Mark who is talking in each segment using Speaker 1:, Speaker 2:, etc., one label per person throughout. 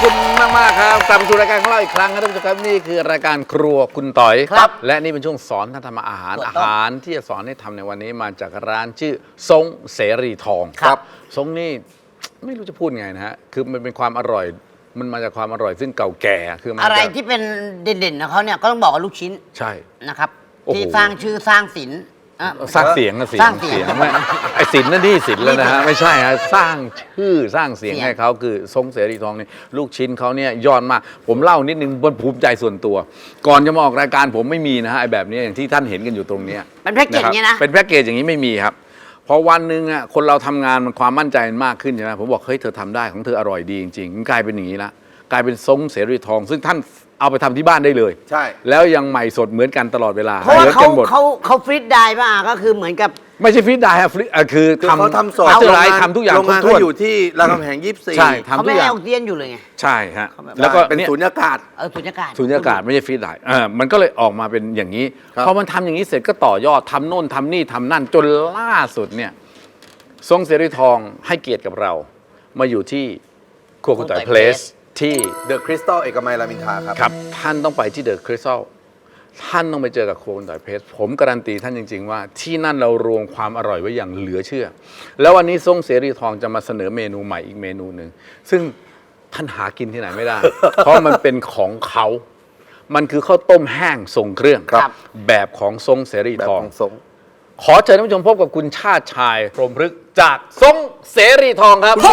Speaker 1: คุณมากๆครับกลับมาสู่รายการของเราอีกครั้งครับท่านผู้ชมครับนี่คือรายการครัวคุณต่อยครับและนี่เป็นช่วงสอนท่านทำอาหารที่จะสอนให้ทำในวันนี้มาจากร้านชื่อทรงเสรีทองครับทรงนี่ไม่รู้จะพูดไงนะฮะคือมันเป็นความอร่อยมันมาจากความอร่อยซึ่งเก่าแก่คือ
Speaker 2: อะไรที่เป็นเด่นๆของเขาเนี่ยก็ต้องบอกว่าลูกชิ้น
Speaker 1: ใช่
Speaker 2: นะครับที่สร้างชื่อสร้างศิลป์
Speaker 1: สร้างเสียงนะเสียงไม่ไอศิลป์นั่นนี่ศิลป์แล้วนะฮะไม่ใช่ฮะสร้างชื่อสร้างเสียงให้เขาคือทรงเสรีทองนี่ลูกชิ้นเขาเนี่ยยอดมากผมเล่านิดนึงบนภูมิใจส่วนตัวก่อนจะมาออกรายการผมไม่มีนะฮะไอแบบนี้อย่างที่ท่านเห็นกันอยู่ตรงนี้
Speaker 2: เป็นแพ็กเกจเนี่ยนะ
Speaker 1: เป็นแพ็กเกจอย่างนี้ไม่มีครับพอวันหนึ่งอ่ะคนเราทำงานมันความมั่นใจมันมากขึ้นใช่ไหมผมบอกเฮ้ยเธอทำได้ของเธออร่อยดีจริงๆมันกลายเป็นอย่างนี้ละกลายเป็นทรงเสรีทองซึ่งท่านเอาไปทำที่บ้านได้เลย
Speaker 3: ใช่
Speaker 1: แล้วยังใหม่สดเหมือนกันตลอดเวลา
Speaker 2: เพราะว่าเขาฟรีดได้ป่ะก็คือเหมือนกับ
Speaker 1: ไม่ใช่ฟรีดได้ฮะฟรีคือ
Speaker 3: เขาทำสด
Speaker 1: ทำทุกอย่าง
Speaker 3: โรงงานเขาอยู่ที่รามคำแหง24
Speaker 1: ใช่ทำ
Speaker 2: เขาไม่ให้ออกซิเจนอยู่เลยไง
Speaker 1: ใช่ฮะ
Speaker 3: แล้วก็เป็นสุญญากาศ
Speaker 2: สุญญากาศ
Speaker 1: สุญญากาศไม่ใช่ฟรีดได้มันก็เลยออกมาเป็นอย่างนี้พอมันทำอย่างนี้เสร็จก็ต่อยอดทำโน่นทำนี่ทำนั่นจนล่าสุดเนี่ยทรงเสรีทองให้เกียรติกับเรามาอยู่ที่ครัวคุณต่อยเพลสที่
Speaker 3: เดอะคริสตัลเอกมัยรามอินทราครับ
Speaker 1: ท่านต้องไปที่เดอะคริสตัลท่านต้องไปเจอกับครัวคุณต่อยเพลสผมการันตีท่านจริงๆว่าที่นั่นเรารวมความอร่อยไว้อย่างเหลือเชื่อแล้ววันนี้ทรงเสรีทองจะมาเสนอเมนูใหม่อีกเมนูหนึ่งซึ่งท่านหากินที่ไหนไม่ได้ เพราะมันเป็นของเขามันคือข้าวต้มแห้งทรงเครื่องแบบของทรงเสรีทองขอเชิญท่านผู้ชมพบกับคุณชาติชายพรหมพฤกษ์จากทรงเสรีทองครับ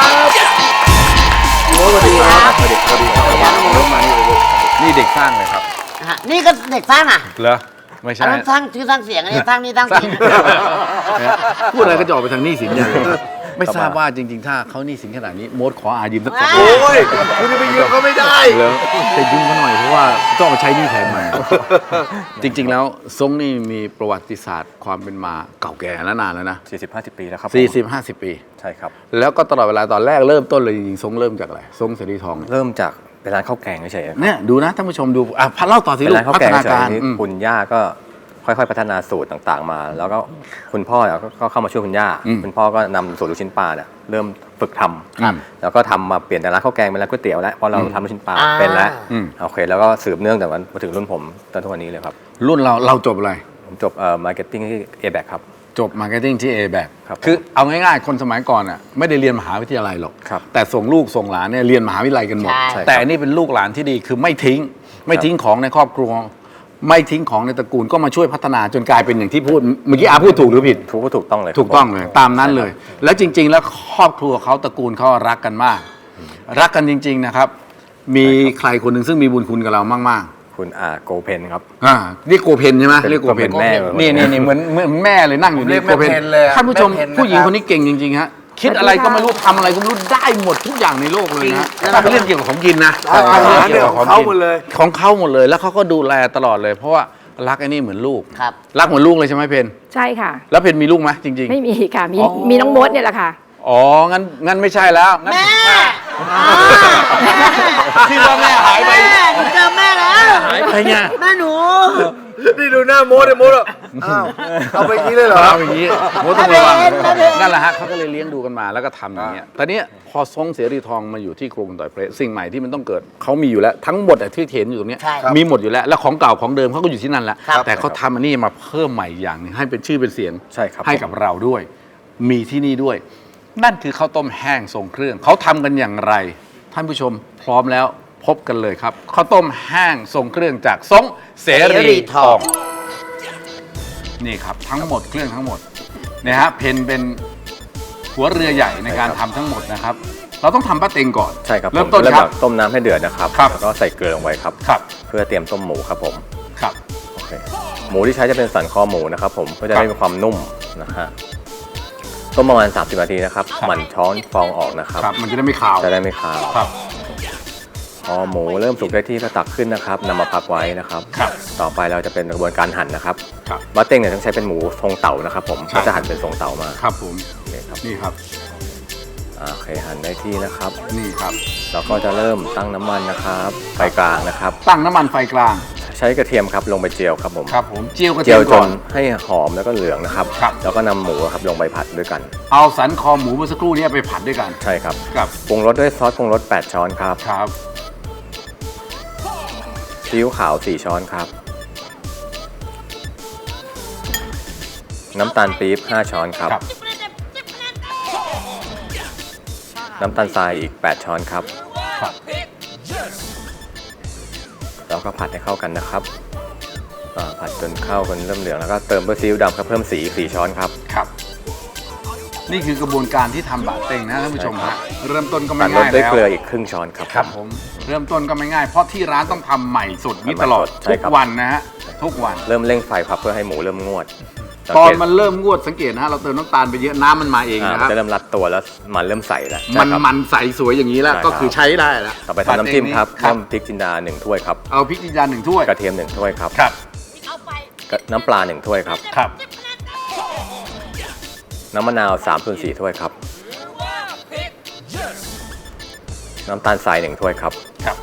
Speaker 3: สวัสดีครับสวัสดีครับ
Speaker 1: นี่เด็กสร้างเลยครับ
Speaker 2: นี่ก็เด็กสร้างอ่ะ
Speaker 1: เหรอไม่ใช่
Speaker 2: สร้างชื่อสร้างเสียงอะไรสร้างนี่สร้างสิน
Speaker 1: พูดอะไรก็จะออกไปทางหนี้สินอย่างไม่ทราบว่าจริงๆถ้าเขาหนี้สินขนาดนี้โมดขอยืมสักคน
Speaker 3: โอ้ยคุณจะไปยืมก็ไม่ได้
Speaker 1: แล้วจะยืมเขาหน่อยเพราะว่าต้องมาใช้หนี้แทนมาจริงๆแล้วทรงนี่มีประวัติศาสตร์ความเป็นมาเก่าแก่และนานแล้วนะ
Speaker 4: 40-50 ปีแล้วครับ
Speaker 1: 40-50 ปี
Speaker 4: ใช่ครับ
Speaker 1: แล้วก็ตลอดเวลาตอนแรกเริ่มต้นเลยจริงๆทรงเริ่มจากอะไรทรงเสรีทอง
Speaker 4: เริ่มจากเป็นร้านข้าวแกงเฉยๆ
Speaker 1: เนี่ยดูนะท่านผู้ชมดูเล่าต่อสิลูกพัฒนาการ
Speaker 4: คุณย่าก็ค่อยๆพัฒนาสูตรต่างๆมาแล้วก็คุณพ่อก็เข้ามาช่วยคุณย่าคุณพ่อก็นำสูตรลูกชิ้นปลาเนี่ยเริ่มฝึกทำแล้วก็ทำมาเปลี่ยนจากร้านข้าวแกงเป็นร้านก๋วยเตี๋ยวแล้วเพราะเราทำลูกชิ้นปลาเป็นแล้วโอเคแล้วก็สืบเนื่องจากวันมาถึงรุ่นผมตอนทุกวันนี้เลยครับ
Speaker 1: รุ่นเราจบอะไร
Speaker 4: ผมจบมาร์เก็ตติ้งที่ A-Back ครับ
Speaker 1: จบมาร์เก็ตติ้งที่ A-Back คือเอาง่ายๆคนสมัยก่อนอ่ะไม่ได้เรียนมหาวิทยาลัยหรอกแต่ส่งลูกส่งหลานเนี่ยเรียนมหาวิทยาลัยกันหมดแต่อันนี้เป็นลูกหลานที่ดีคือไม่ทิ้งของในครอบครัวไม่ทิ้งของในตระกูลก็มาช่วยพัฒนาจนกลายเป็นอย่างที่พูดเมื่อกี้พูดถูกหรือผิด
Speaker 4: ถูกต้องเลย
Speaker 1: ถูกต้องเลยตามนั้นเลยแล้วจริงๆแล้วครอบครัวเขาตระกูลเขารักกันมากรักกันจริงๆนะครับมีใครคนหนึ่งซึ่งมีบุญคุณกับเรามาก
Speaker 4: ๆคุณโกเพนครับ
Speaker 1: นี่โกเพนใช่ไหมเรียกโกเพน
Speaker 4: แม่
Speaker 1: นี่เหมือนแม่เลยนั่งอยู่นี่โกเพนท่านผู้ชมผู้หญิงคนนี้เก่งจริงๆฮะคิดอะไรก็ไม่รู้ทำอะไรก็ไม่รู้ได้หมดทุกอย่างในโลกเลยนะถ้าเป็นเรื่องเกี่ยวกับของกินนะ
Speaker 3: เรื่องของเขาหมดเลย
Speaker 1: ของเขาหมดเลยแล้วเขาก็ดูแลตลอดเลยเพราะว่ารักไอ้นี่เหมือนลูกรักเหมือนลูกเลยใช่ไหมเพน
Speaker 5: ใช่ค่ะ
Speaker 1: แล้วเพนมีลูกไหมจริงๆ
Speaker 5: ไม่มีค่ะมีน้องมดเนี่ยแหละค่ะ
Speaker 1: อ๋องั้นไม่ใช่แล้ว
Speaker 2: แม่
Speaker 1: ที่ว่าแม่หายไป
Speaker 2: เจอแม่แล้ว
Speaker 1: หายไปไง
Speaker 2: แม่หนู
Speaker 3: นี่ดูหน้าโมดเลยโมดอ้าวเอาไปอย่างนี้เลยเหรอ
Speaker 1: เอาอย่างนี้โมดต้องระวังนั่นแหละฮะเขาก็เลยเลี้ยงดูกันมาแล้วก็ทำอย่างเงี้ยตอนนี้พอทรงเสรีทองมาอยู่ที่ครัวคุณต่อยเพลสสิ่งใหม่ที่มันต้องเกิดเขามีอยู่แล้วทั้งหมดที่เห็นอยู่ตรงนี้มีหมดอยู่แล้วของเก่าของเดิมเขาก็อยู่ที่นั่นแหละแต่เขาทำอันนี้มาเพิ่มใหม่อย่างนึงให้เป็นชื่อเป็นเสียงให้กับเราด้วยมีที่นี่ด้วยนั่นคือข้าวต้มแห้งทรงเครื่องเขาทำกันอย่างไรท่านผู้ชมพร้อมแล้วพบกันเลยครับข้าวต้มแห้งทรงเครื่องจากทรงเสรีทองนี่ครับทั้งหมดเครื่องทั้งหมดนะฮะเพนเป็นหัวเรือใหญ่ในการทำทั้งหมดนะครับเราต้องทำปลาเต็งก่อน
Speaker 4: ใช่ครับ
Speaker 1: เริ่มต้นครับ
Speaker 4: ต้มน้ำให้เดือดนะครับแล้วก็ใส่เกลือลงไว้ครับเพื่อเตรียมต้มหมูครับผม
Speaker 1: ครับ
Speaker 4: โอเคหมูที่ใช้จะเป็นสันคอหมูนะครับผมเพื่อจะได้มีความนุ่มนะฮะต้มประมาณ30 นาทีนะครับหมั่นช้อนฟองออกนะครับ
Speaker 1: มันจะได้ไม่คาว
Speaker 4: ครับพอหมูเริ่มสุกได้ที่ก็ตักขึ้นนะครับนำมาพักไว้นะครับต่อไปเราจะเป็นกระบวนการหั่นนะครับบะเต็งเนี่ยต้องใช้เป็นหมูทรงเต่านะครับผมก็จะหั่นเป็นทรงเต่ามา
Speaker 1: ครับผมนี่ครับ
Speaker 4: โอเคหั่นได้ที่นะครับ
Speaker 1: นี่ครับ
Speaker 4: เราก็จะเริ่มตั้งน้ำมันนะครับไฟกลางนะครับ
Speaker 1: ตั้งน้ำมันไฟกลาง
Speaker 4: ใช่ช้กระเทียมครับลงไปเจียวครับผม
Speaker 1: ครับผมเจียวกระ
Speaker 4: เจี
Speaker 1: เที
Speaker 4: ย
Speaker 1: ยว ม
Speaker 4: จ
Speaker 1: ก่อน
Speaker 4: นให้หอมแล้วก็เหลืองนะครับ
Speaker 1: ครับ
Speaker 4: แล้วก็นำหมูครับลงไปผัดด้วยกัน
Speaker 1: เอาสันคอหมูเมื่อสักครู่นี้ไปผัดด้วยกัน
Speaker 4: ใช่ครับ
Speaker 1: ครับ
Speaker 4: ปรุงรสด้วยซอสปรุงรส8ช้อนครับ
Speaker 1: ครับ
Speaker 4: ซีอิ๊วขาว4ช้อนครับน้ำตาลปี๊บ5ช้อนครับ
Speaker 1: ครับ
Speaker 4: น้ำตาลทรายอีก8ช้อนครับ
Speaker 1: ครับ
Speaker 4: แล้วก็ผัดให้เข้ากันนะครับผัดจนเข้ากันเริ่มเหลืองแล้วก็เติมด้วยซีอิ๊วดำครับเพิ่มสี4ช้อนครับ
Speaker 1: ครับ นี่คือกระบวนการที่ทำบะเต็งนะท่านผู้ชมฮะเริ่มต้นก็ไม่
Speaker 4: ตัดรส
Speaker 1: ง่าย
Speaker 4: ด้วย
Speaker 1: แล้ว
Speaker 4: เกลืออีกครึ่งช้อนครับ
Speaker 1: ครับผมเริ่มต้นก็ไม่ง่ายเพราะที่ร้านต้องทำใหม่สดนี้ตลอด
Speaker 4: ใช่
Speaker 1: ทุก
Speaker 4: ครับ
Speaker 1: วันนะฮะทุกวัน
Speaker 4: เริ่มเร่งไฟครับเพื่อให้หมูเริ่มงวด
Speaker 1: ตอน
Speaker 4: สังเกต
Speaker 1: มันเริ่มงวดสังเกตนะฮะเราเติมน้ำตาลไปเยอะน้ำมันมาเอง
Speaker 4: มั
Speaker 1: นะครับ
Speaker 4: จะเริ่มรัดตัวแล้วมันเริ่มใสแล้ว
Speaker 1: มัน
Speaker 4: ใช่ครับ
Speaker 1: มันใสสวยอย่างนี้แล้ว
Speaker 4: ใช่ครับ
Speaker 1: ก็คือใช้ได้แล้ว
Speaker 4: ต่อไปทำน้ำจิ้มครับ
Speaker 1: ครั
Speaker 4: เริ่
Speaker 1: บ
Speaker 4: มพริกจินดา1ถ้วยครับ
Speaker 1: เอาพริกจินดา1ถ้วย
Speaker 4: กระเทียม1ถ้วยครับ
Speaker 1: ครับ
Speaker 4: น้ำปลา1ถ้วยครับ
Speaker 1: ครับ
Speaker 4: น้ำมะนาว3/4ถ้วยครับน้ำตาลทราย1ถ้วยครับ
Speaker 1: ครับ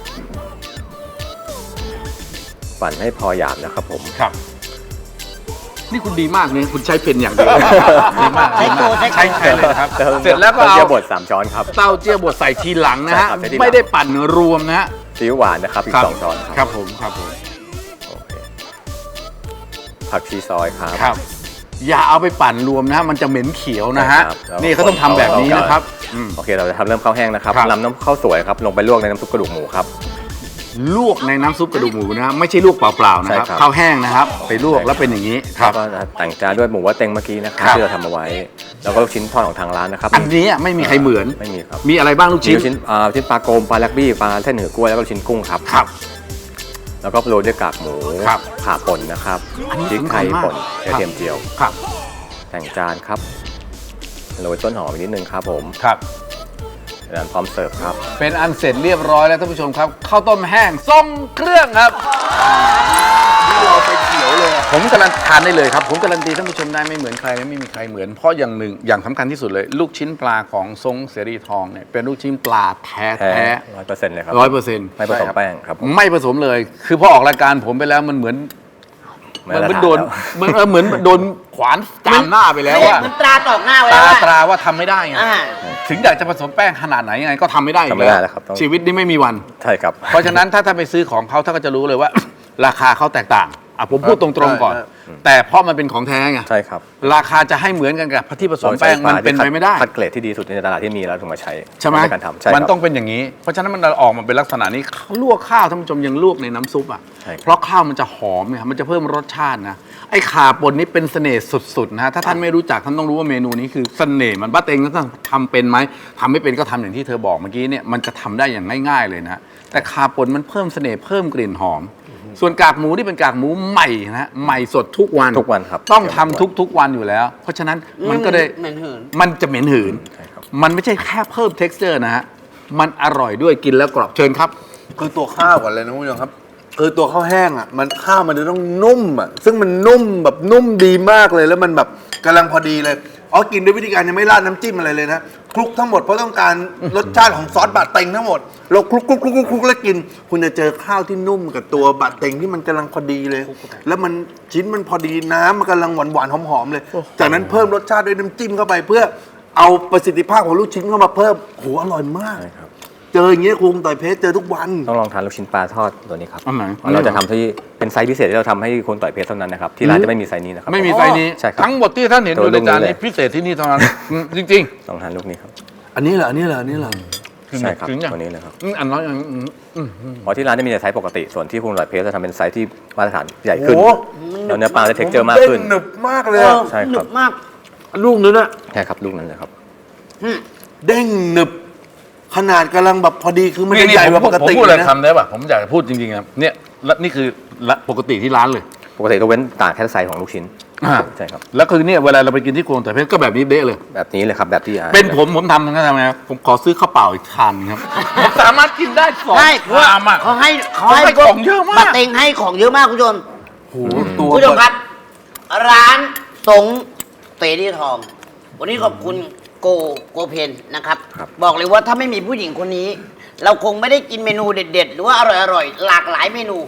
Speaker 4: ปั่นให้พอหยาบนะครับผม
Speaker 1: ครับ นี่คุณดีมากเนี่ยคุณใช้เป็นอย่างเดียวดีมาก
Speaker 2: ใช้โก
Speaker 1: ใช้เลยนะครับเสร็จแล้วก็
Speaker 4: ต้น
Speaker 1: เอา
Speaker 4: เจียวบด3ช้อนครับ
Speaker 1: เต้าเจี้ยวบดใส่ทีหลังนะฮะ
Speaker 4: ใช่ครับใส่ทีหลัง
Speaker 1: ไม่ได้ปั่นรวมนะฮะ
Speaker 4: ซีอิ๊วหวานนะครับอีก2ช้อน
Speaker 1: ครับผมครับผม
Speaker 4: โอเคผักชีซอยครับ
Speaker 1: ครับ อย่าเอาไปปั่นรวมนะฮะมันจะเหม็นเขียวนะฮะ
Speaker 4: ใช่ครับแล้ว
Speaker 1: นี่เขาต้องทำแบบนี้นะครับอืม
Speaker 4: โอเคเราจะทำเริ่มข้าวแห้งนะครับ
Speaker 1: ครับ
Speaker 4: นำน้ำข้าวสวยครับลงไปลวกในน้ำซุปกระดูกหมูครับ
Speaker 1: ลวกในน้ำซุปกระดูกหมูนะฮะไม่ใช่ลวกเปล่าๆนะครับ
Speaker 4: ใช่ครับ
Speaker 1: ข้าวแห้งนะครับ ไปลวกแล้วเป็นอย่างนี้ค
Speaker 4: แล้
Speaker 1: รั
Speaker 4: ว
Speaker 1: บ
Speaker 4: ก็แต่งจานด้วยหมูว่าเต็งเมื่อกี้นะครับ
Speaker 1: ครับ
Speaker 4: ที่เราทำเอาไว้ แล้วก็ลูกชิ้นทอดของทางร้านนะครับ
Speaker 1: อันนี้ไม่มีใครเหมือน
Speaker 4: ไม่มีครับ
Speaker 1: มีอะไรบ้างลูก
Speaker 4: มี
Speaker 1: ชิ้น
Speaker 4: ลูกชิ้นชิ้นปลาโกมปลาแลกบี้ปลาเส้นหือกล้วยแล้วก็ลูกชิ้นกุ้งครับ
Speaker 1: ครับ
Speaker 4: แล้วก็โรยด้วยกากหมู
Speaker 1: ครับ
Speaker 4: ข่าป่นนะครับ
Speaker 1: อันนี้
Speaker 4: พริกไทย
Speaker 1: สำคัญมาก
Speaker 4: ป่นกระเทียมเจียว
Speaker 1: ครับ
Speaker 4: แต่งจานครับโรยต้นหอมอีกนิดนึงครับผม
Speaker 1: ครับ
Speaker 4: แล้วพร้อมเสิร์ฟครับ
Speaker 1: เป็นอันเสร็จเรียบร้อยแล้วท่านผู้ชมครับข้าวต้มแห้งทรงเครื่องครับนี่เราไปเขียวเลยผมการันทานได้เลยครับผมการันตีท่านผู้ชมได้ไม่เหมือนใครและไม่มีใครเหมือนเพราะอย่างหนึ่งอย่างสำคัญที่สุดเลย ลูกชิ้นปลาของทรงเสรีทองเนี่ยเป็นลูกชิ้นปลาแท้
Speaker 4: แท้
Speaker 1: ๆ
Speaker 4: 100%เลยครับ
Speaker 1: 100%
Speaker 4: ไม่ผสมแป้งครับผม
Speaker 1: ไม่ผสมเลย คือพอออกรายการผมไปแล้วมันเหมือน
Speaker 4: ไม่
Speaker 1: มัน
Speaker 4: ละ
Speaker 1: โดน
Speaker 4: ทานแล้ว
Speaker 1: เหมือนโดนขวานจามหน้าไปแล้วว่า
Speaker 2: มันตราตอกหน้าไว้
Speaker 1: ตา
Speaker 2: แล้ว
Speaker 1: ตราว่าทำไม่ได้ไง
Speaker 2: อ่า
Speaker 1: ถึงอยากจะผสมแป้งขนาดไหนยังไงก็ทำไม่ได้อีก
Speaker 4: ทำไม่ได้แล้วครับต้อง
Speaker 1: ชีวิตนี้ไม่มีวัน
Speaker 4: ใช่ครับ
Speaker 1: เพราะฉะนั้นถ้าท่านไปซื้อของเขาท่านก็จะรู้เลยว่า ราคาเขาแตกต่างอ่ะผมพูดตรงๆก่อน แต่เพราะมันเป็นของแท้ไง
Speaker 4: ใช่ครับ
Speaker 1: ราคาจะให้เหมือนกันกับที่ผสมแป้งมันเป็นไปไม่ได้
Speaker 4: คัดเกรดที่ดีสุดในตลาดที่มีแล้วถึงมาใช้
Speaker 1: ใช่ไหม
Speaker 4: ในการทำใช่
Speaker 1: มัน
Speaker 4: ครับ
Speaker 1: ต้องเป็นอย่างนี้ เพราะฉะนั้นมันออกมาเป็นลักษณะนี้ลวกข้าวท่านผู้ชมยังลวกในน้ำซุปอ่ะ
Speaker 4: ใช่ครับ
Speaker 1: เพราะข้าวมันจะหอมไงมันจะเพิ่มรสชาตินะไอ้ข่าป่นนี้เป็นเสน่ห์สุดๆนะฮะถ้าท่านไม่รู้จักท่านต้องรู้ว่าเมนูนี้คือเสน่ห์มันบ้าเต็งท่านทำเป็นไหมทำไม่เป็นก็ทำอย่างที่เธอบอกเมื่อกี้เนี่ยมันจะทำได้อย่างง่ายๆเลยนะ แต่ข่าป่นมันเพิ่มเสน่ห์เพิ่มกลิ่นหอม ส่วนกากหมูที่เป็นกากหมูใหม่นะใหม่สดทุกวัน
Speaker 4: ทุกวันครับ
Speaker 1: ต้องทำทุกๆวันอยู่แล้ว เพราะฉะนั้นมันก็ได้
Speaker 2: เหม็นหืน
Speaker 1: มันจะเหม็นหืน
Speaker 4: ใช่ครับ
Speaker 1: มันไม่ใช่แค่เพิ่ม texture นะฮะ มันอร่อยด้วยกินแล้วกรอบเชิญครับ
Speaker 3: คือตัวข้าวก่อนเลยนะคุณผู้ชมครับคือตัวข้าวแห้งอ่ะมันข้าวมันจะต้องนุ่มอ่ะซึ่งมันนุ่มแบบนุ่มดีมากเลยแล้วมันแบบกำลังพอดีเลยอ๋อกินด้วยวิธีการยังไม่ราดน้ำจิ้มอะไรเลยนะคลุกทั้งหมดเพราะต้องการรสชาติของซอสบะเต็งทั้งหมดเราคลุกแล้วกิน คุณจะเจอข้าวที่นุ่มกับตัวบะเต็งที่มันกำลังพอดีเลย แล้วมันชิ้นมันพอดีน้ำมันกำลังหวานๆหอมๆเลย จากนั้นเพิ่มรสชาติด้วยน้ำจิ้มเข้าไปเพื่อเอาประสิทธิภาพของลูกชิ้นเข้ามาเพิ่มโหอร่อยมาก
Speaker 4: ใช่ครับ
Speaker 3: เจออย่างเงี้ยคงต่อยเพชรเจอทุกวัน
Speaker 4: ต้องลองทานลูกชิ้นปลาทอดตัวนี้ครับ
Speaker 1: อันไหน
Speaker 4: เราจะทำที่เป็นไซส์พิเศษที่เราทำให้คนต่อยเพชรเท่านั้นนะครับที่ร้านจะไม่มีไซส์นี้นะครับ
Speaker 1: ไม่มีไซส์นี้
Speaker 4: ใช่ครับ
Speaker 1: ทั้งหมดที่ท่านเห็น
Speaker 4: ตั
Speaker 1: อ
Speaker 4: ว
Speaker 1: ยู่ในจาน
Speaker 4: ลูกนี้
Speaker 1: นี้
Speaker 4: เลย
Speaker 1: พิเศษที่นี่เท่านั้นจริง
Speaker 4: ลองทานลูกนี้ครับ
Speaker 3: อันนี้เหรออันนี้เหรออันนี้เหรอ
Speaker 1: ๆ
Speaker 4: ใช่ครับ
Speaker 1: ถึงอย่าง
Speaker 4: ตัวนี้เลยครับ
Speaker 1: อันน้อยอัน
Speaker 4: เพราะที่ร้านจะมีแต่ไซส์ปกติส่วนที่คุณต่อยเพชรจะทำเป็นไซส์ที่มาตรฐานใหญ่ขึ้น
Speaker 3: โอ้
Speaker 4: แล้วเนื้อปลาจะเท็กเจอร์มากขึ้น
Speaker 3: เด้งหนึบมากเลยอะ
Speaker 4: ใช่ครับ
Speaker 2: หนึบมาก
Speaker 3: ลูกนึงอะ
Speaker 4: ใช่ครับลูกนั้นเลยครับ
Speaker 3: เด้งหนึบขนาดกำลังแบบพอดีคือมัน
Speaker 1: นี่
Speaker 3: จะใหญ่กว่า
Speaker 1: ผ
Speaker 3: ป
Speaker 1: ม
Speaker 3: กติ
Speaker 1: พูดอะไร
Speaker 3: นะ
Speaker 1: คำได้ป่ะผมอยากจะพูดจริงๆครับเนี่ยและนี่คือปกติที่ร้านเลย
Speaker 4: ปกติต้องเว้นต่างแค่ไซส์ของลูกชิ้น
Speaker 1: อ่า
Speaker 4: ใช่ครับ
Speaker 1: แล้วคือเนี่ยเวลาเราไปกินที่ครัวแต่อยเพชรก็แบบนี้เด้เลย
Speaker 4: แบบนี้เลยครับแบบที่
Speaker 1: เป็นผมทำยังไงทำไงผมขอซื้อข้าวเปล่าอีกคันครับผมสามารถกินได้สอง
Speaker 2: ใช่
Speaker 1: ชามอ่ะ
Speaker 2: เขาให้
Speaker 1: ให้ของเยอะมาก
Speaker 2: บะเต็งให้ของเยอะมากคุณผู้ชม
Speaker 3: โอ้โหตัว
Speaker 2: คุณผู้ชมครับ ร้านสงเสรีทอง วันนี้ขอบคุณโกเพนนะครับ บอกเลยว่าถ้าไม่มีผู้หญิงคนนี้ เราคงไม่ได้กินเมนูเด็ด ๆ หรือว่าอร่อยๆหลากหลายเมนู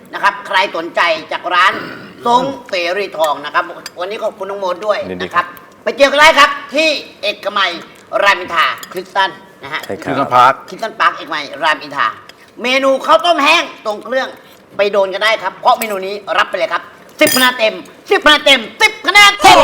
Speaker 2: นะครับ ใครสนใจจากร้านทรงเสรีทองนะครับ วันนี้ขอบคุณน้องโมดด้วย
Speaker 4: ยินดี
Speaker 2: นะค
Speaker 4: ครั
Speaker 2: รับ บ ไปเจอกันได้ครับที่เอกมัยรามอินทราคริสตันนะฮะ
Speaker 4: ใช่ค
Speaker 1: คือ
Speaker 4: รับ
Speaker 1: น้ำพัก
Speaker 2: คริสตันพาร์คเอกมัยรามอินทราเมนูข้าวต้มแห้งตรงเครื่องไปโดนกันได้ครับ เพราะเมนูนี้รับไปเลยครับ10คะแนนเต็ม10คะแนนเต็ม10คะแนนเต็ม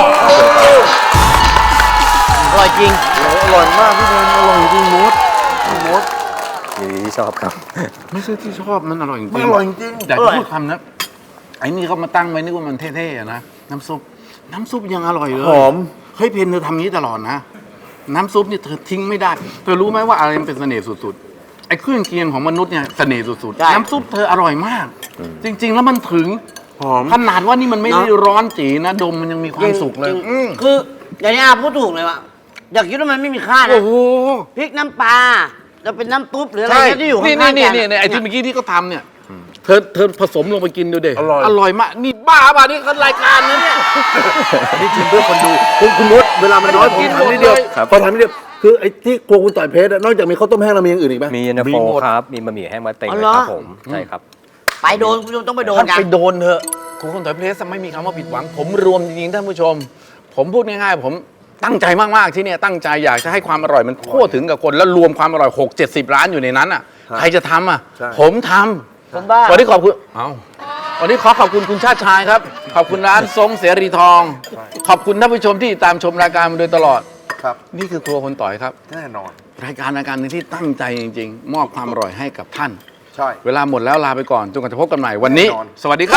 Speaker 2: อร่อยจริง
Speaker 3: อร่อยมากพี่เทนอร่อยจริงมด
Speaker 4: ยินดีที่ชอบครับ
Speaker 1: ไม่ใช่ที่ชอบมันอร่อยจริง
Speaker 3: มันอร่อยจริง
Speaker 1: อยากจะพูดคำนะไอ้นี่เขามาตั้งไว้นึกว่ามันเท่ๆอะนะน้ำซุปยังอร่อยเลย
Speaker 3: หอม
Speaker 1: เฮ้ยเพนเธอทำนี้ตลอดนะ น้ำซุปนี่เธอทิ้งไม่ได้เธอรู้ไหมว่าอะไรมันเป็นเสน่ห์สุดๆไอ้เครื่องเคียงของมนุษย์เนี่ยเสน่ห์สุด
Speaker 2: ใช่
Speaker 1: ๆน้ำซุปเธออร่อยมาก จริง ๆ แล้วมันถึง
Speaker 3: หอม
Speaker 1: ขนาดว่านี่มันไม่ได้ร้อนจีนะดมมันยังมีความสุขเลย
Speaker 2: จริงๆคืออย่างนี้อาพูดถูกเลยว่าอยากคิดว่ามันไม่มีค่านะ
Speaker 1: โอ้โห
Speaker 2: พริกน้ำปลาจะเป็นน้ำตุ๊บหรืออะไร
Speaker 1: ใช่
Speaker 2: ที่อยู่ข้าง
Speaker 1: นี่
Speaker 2: ๆ
Speaker 1: นี่
Speaker 2: กัน
Speaker 1: นี่ไอ้ที่เมื่อกี้ที่เขาทำเนี่ยเธอผสมลงไปกินดูเด็
Speaker 3: อร่อย
Speaker 1: อร่อยมากนี่บ้าป่ะนี่คือรายการนะเนี่ย
Speaker 3: อันนี้ชิมเพื่อคนดูคุณมดเวลามันน้อยผมทำนิดเดียว
Speaker 4: ครับ
Speaker 3: พอทำนิดเดียวคือไอ้ที่โครัวคุณต่อยเพชรอะนอกจากมีข้าวต้มแห้งแล้วมีอย่างอื่นอีกไหม
Speaker 4: มีเย็นตาโฟ
Speaker 3: หมด
Speaker 4: ครับ มีบะหมี่แห้งมะเต็ง
Speaker 2: อ๋อ
Speaker 4: นะ
Speaker 2: เหรอ
Speaker 4: ครับผม ใช่ครับ
Speaker 2: ไปโดนคุณผู้ชมต้องไปโดน
Speaker 1: ท่าน
Speaker 2: กัน
Speaker 1: ไปโดนเถอะคุณคนถอยเพลสไม่มีคำว่าผิดหวัง ผมรวมจริงๆท่านผู้ชม ผมพูดง่ายๆ ผมตั้งใจมากๆที่เนี่ยตั้งใจอยากจะให้ความอร่อยมันทั่วถึงกับคนแล้วรวมความอร่อย6-70 ร้านอยู่ในนั้นอ่ะใครจะทำอ่ะ
Speaker 3: ใช่
Speaker 1: ผมท
Speaker 2: ผมบ้า
Speaker 1: ำวันนี้ขอบคุณวันนี้ขอบคุณคุณชาติชายครับ ขอบคุณร้านทรงเสรีทอง ขอบคุณท่านผู้ชมที่ตามชมรายการมาโดยตลอด
Speaker 3: ครับ
Speaker 1: นี่คือครัวคนต่อยครับ
Speaker 3: แน่นอน
Speaker 1: รายการหนึ่งที่ตั้งใจจริงๆ มอบความอร่อยให้กับท่าน
Speaker 3: ใช่
Speaker 1: เวลาหมดแล้วลาไปก่อนจนกว่าจะพบกันใหม่วันนี้
Speaker 3: แน่นอน
Speaker 1: สวัสดีครับ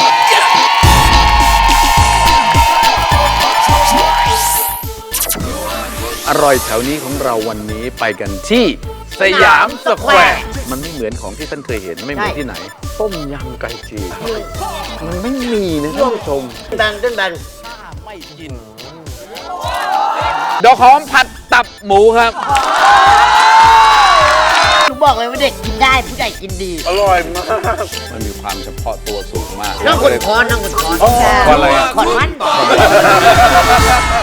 Speaker 1: อร่อยแถวนี้ของเราวันนี้ไปกันที่สยามสแควร์มันไม่เหมือนของที่ท่านเคยเห็นไม่เหมือนที่ไหน ต้มยำไก่จีนมันไม่มีนะท่านผู้ชม
Speaker 2: แบนเต้นแบน
Speaker 1: ดอกหอมผัดตับหมูครับ
Speaker 2: หนูบอกเลยว่าเด็กกินได้ผู้ใหญ่กินดี
Speaker 3: อร่อยมาก
Speaker 1: มันมีความเฉพาะตัวสูงมาก
Speaker 2: นั่งกดคอนนั่งกดคอน
Speaker 1: คอนอะไรอะ
Speaker 2: คอนมัน